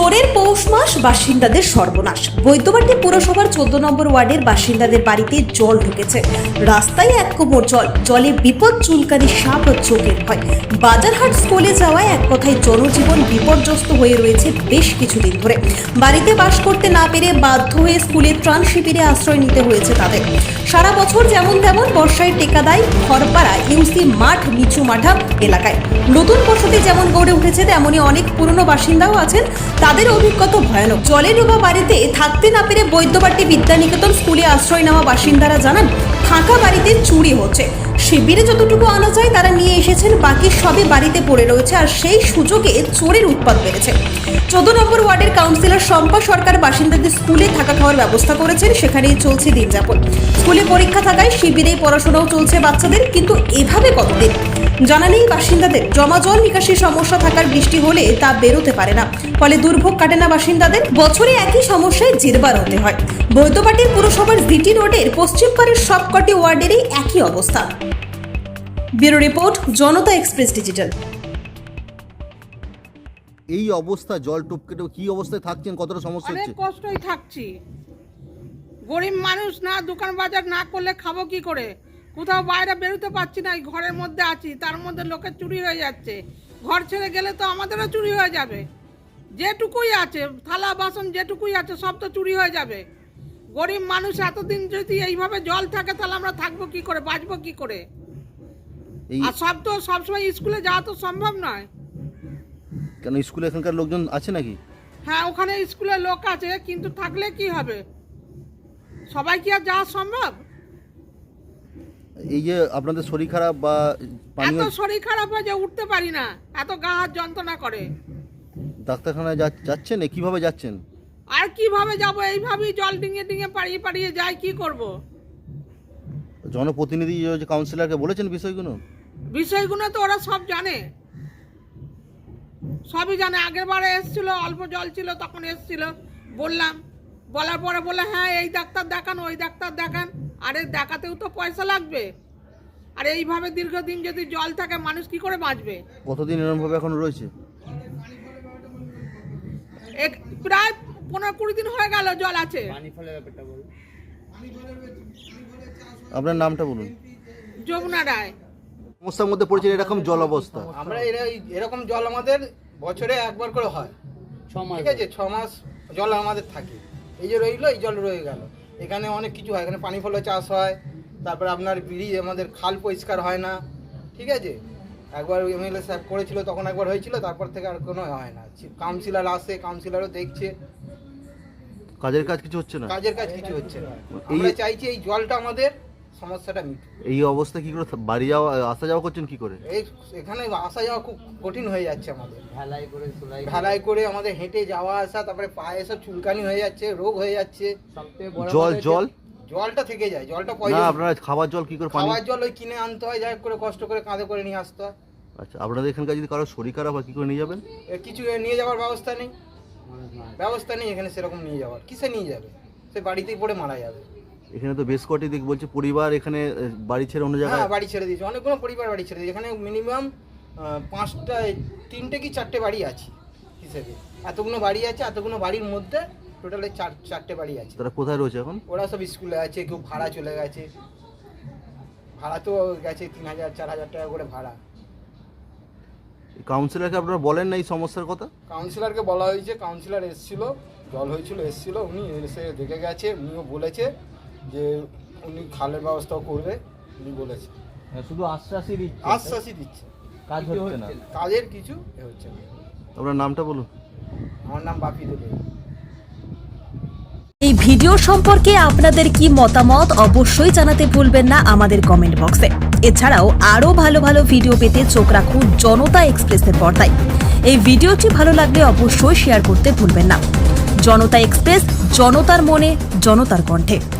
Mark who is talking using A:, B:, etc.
A: জোরের পৌষ মাস বাসিন্দাদের সর্বনাশ। বৈদ্যবাটী পুরসভার 14 নম্বর ওয়ার্ডের বাসিন্দাদের বাড়িতে জল ঢুকেছে। রাস্তায় এক কোমর জল, জলে বিপদ চুলকানি, সাপ ও চোখের ভয়। বাজারহাট স্কুলে যাওয়ায় এক কথায় জনজীবন বিপর্যস্ত হয়ে রয়েছে বেশ কিছুদিন ধরে। বাড়িতে বাস করতে না পেরে বাধ্য হয়ে স্কুলের ত্রাণ শিবিরে আশ্রয় নিতে হয়েছে তাদের। সারা বছর যেমন তেমন বর্ষায় টেকা দেয় খড়পাড়া ইউসি মাঠ নিচু মাঠা এলাকায়। নতুন বসতি যেমন গড়ে উঠেছে তেমনই অনেক পুরনো বাসিন্দাও আছেন, তাদের অভিজ্ঞতা ভয়ানক। জলে ডোবা বাড়িতে থাকতে না পেরে বৈদ্যবাটী বিদ্যানিকেতন স্কুলে আশ্রয় নেওয়া বাসিন্দারা জানান, ফাঁকা বাড়িতে চুরি হচ্ছে। শিবিরে যতটুকু আনা যায় তারা নিয়ে এসেছেন, বাকি সবই বাড়িতে পড়ে রয়েছে, আর সেই সুযোগে চোরের উৎপাত বেড়েছে। 14 নম্বর ওয়ার্ডের কাউন্সিলর শম্পা সরকার বাসিন্দাদের স্কুলে থাকা খাওয়ার ব্যবস্থা করেছেন, সেখানেই চলছে দিন যাপন। স্কুলে পরীক্ষা থাকায় শিবিরেই পড়াশোনাও চলছে বাচ্চাদের, কিন্তু এভাবে কতদিন জানা নেই বাসিন্দাদের। জমা জল নিকাশির সমস্যা থাকার বৃষ্টি হলে তা বেরোতে পারে না, ফলে দুর্ভোগ কাটে না বাসিন্দাদের। বছরে একই সমস্যায় জেরবার হতে হয়। বৈদ্যবাটীর পুরসভার জিটি রোডের পশ্চিম পাড়ের সবকটি ওয়ার্ডেরই একই অবস্থা। Bureau report, Janata express digital.
B: এই অবস্থা জল টপকে কি অবস্থায় থাকছেন, কতটা সমস্যা
C: অনেক
B: হচ্ছে?
C: কষ্টই থাকছি। গরিব মানুষ, না দোকান বাজার না করলে খাবো কি করে? কোথাও বাইরে বেরোতে পারছি না, ঘরের মধ্যে আছি, তার মধ্যে লোকের চুরি হয়ে যাচ্ছে। ঘর ছেড়ে গেলে তো আমাদেরও চুরি হয়ে যাবে। যেটুকুই আছে, থালা বাসন যেটুকুই আছে সব তো চুরি হয়ে যাবে। গরিব মানুষ এতদিন যদি এইভাবে জল থাকে তাহলে আমরা থাকবো কি করে, বাঁচবো কি করে? আর সবসময় স্কুলে যাওয়া তো সম্ভব নয়।
B: কেন স্কুলে এখানকার লোকজন আছে নাকি?
C: হ্যাঁ, ওখানে স্কুলে লোক আছে, কিন্তু থাকলে কি হবে? সবাই কি আর যাওয়া সম্ভব?
B: এই যে আপনাদের শরীর খারাপ বা
C: এত শরীর খারাপ হয় যে উঠতে পারি না, এত গা হাত যন্ত্রণা করে।
B: ডাক্তারখানায় যাচ্ছেন? কিভাবে যাচ্ছেন?
C: আর কিভাবে যাব? এইভাবেই জল ডিঙে ডিঙে পাড়িয়ে পাড়িয়ে যাই, কি করব?
B: জনপ্রতিনিধি যে কাউন্সিলরকে বলেছেন বিষয়গুলো
C: তো ওরা সব জানে, সবই জানে। আগের বারে এসেছিল, অল্প জল ছিল, তখন এসেছিল, বললাম, বলার পরে বলে হ্যাঁ এই ডাক্তার দেখান, ওই ডাক্তার দেখান। আরে দেখাতেও তো পয়সা লাগবে। আর এইভাবে দীর্ঘদিন যদি জল থাকে মানুষ কি করে বাঁচবে?
B: কতদিন এরকম ভাবে এখন রয়েছে?
C: প্রায় 15-20 দিন হয়ে গেল জল আছে।
B: আপনার নামটা বলুন।
C: যমুনা রায়।
B: সমস্যার মধ্যে পড়েছে এরকম জল অবস্থা।
D: আমরা এরকম জল আমাদের বছরে একবার করে হয়, ঠিক আছে? 6 মাস জল আমাদের থাকে। এই যে রইলো, এই জল রয়ে গেল। এখানে অনেক কিছু হয়, এখানে পানি ফলের চাষ হয়, তারপরে আপনার ব্রিজ, আমাদের খাল পরিষ্কার হয় না, ঠিক আছে? একবার এমএলএ সাহেব করেছিল, তখন একবার হয়েছিল, তারপর থেকে আর কোনো হয় না। কাউন্সিলর আসে, কাউন্সিলরও দেখছে,
B: কাজের কাজ কিছু হচ্ছে না।
D: কাজের কাজ কিছু হচ্ছে না। আমরা চাইছি এই জলটা আমাদের সমস্যাটা মিটুক।
B: এই অবস্থা কি করে বাড়ি যাওয়া আসা যাওয়া করছেন কি করে?
D: এখানে আসা যাওয়া খুব কঠিন হয়ে যাচ্ছে আমাদের। ঢালাই করে আমাদের হেঁটে যাওয়া আসা, তারপরে পায়ে সব চুলকানি হয়ে যাচ্ছে, রোগ হয়ে যাচ্ছে। জলটা থেকে যায়, জলটা
B: না, আপনারা খাবার জল কি করে?
D: খাবার জল ওই কিনে আনতে হয়, যাই করে কষ্ট করে কাঁধে করে নিয়ে আসতে হয়।
B: আচ্ছা, আপনাদের এখানকার যদি কারো শরীর খারাপ হয় কি করে নিয়ে যাবেন?
D: কিছু নিয়ে যাওয়ার ব্যবস্থা নেই এখানে সেরকম নিয়ে যাওয়ার। কিসে নিয়ে যাবে? সে বাড়িতেই পড়ে মারা যাবে। এখানে
B: তো বেশ কটি দিক বলছে পরিবার এখানে বাড়ি ছেড়ে অন্য জায়গায়।
D: হ্যাঁ, বাড়ি ছেড়ে দিয়েছে, অনেকগুলো পরিবার বাড়ি ছেড়ে দিয়েছে। এখানে মিনিমাম 3টে কি 4টে বাড়ি আছে হিসেবে। এতগুলো বাড়ি আছে, এতগুলো বাড়ির মধ্যে টোটালে 4টে বাড়ি আছে।
B: তারা কোথায় রয়েছে এখন?
D: ওরা সব স্কুলে আছে, কেউ ভাড়া চলে গেছে। ভাড়া তো গেছে 3000-4000 টাকা করে ভাড়া।
B: কাউন্সিলরকে আপনারা বলেন না এই সমস্যার কথা?
D: কাউন্সিলরকে বলা হয়েছে, কাউন্সিলর এসেছিল, জল হয়েছিল, এসেছিল, উনি এসে দেখে গেছে। উনিও বলেছে যে উনি খালের ব্যবস্থাও করবে, উনি বলেছে।
E: শুধু আশ্বাসই
D: দিচ্ছে,
E: কাজ হচ্ছে না,
D: কাজের কিছু হচ্ছে না।
B: আপনার নামটা বলুন।
D: আমার নাম বাপি দেবে।
A: এই ভিডিও সম্পর্কে আপনাদের কি মতামত অবশ্যই জানাতে ভুলবেন না আমাদের কমেন্ট বক্সে। এছাড়াও আরো ভালো ভালো ভিডিও পেতে চোখ রাখুন জনতা এক্সপ্রেসের পর্দায়। এই ভিডিওটি ভালো লাগলে অবশ্যই শেয়ার করতে ভুলবেন না। জনতা এক্সপ্রেস, জনতার মনে, জনতার কণ্ঠে।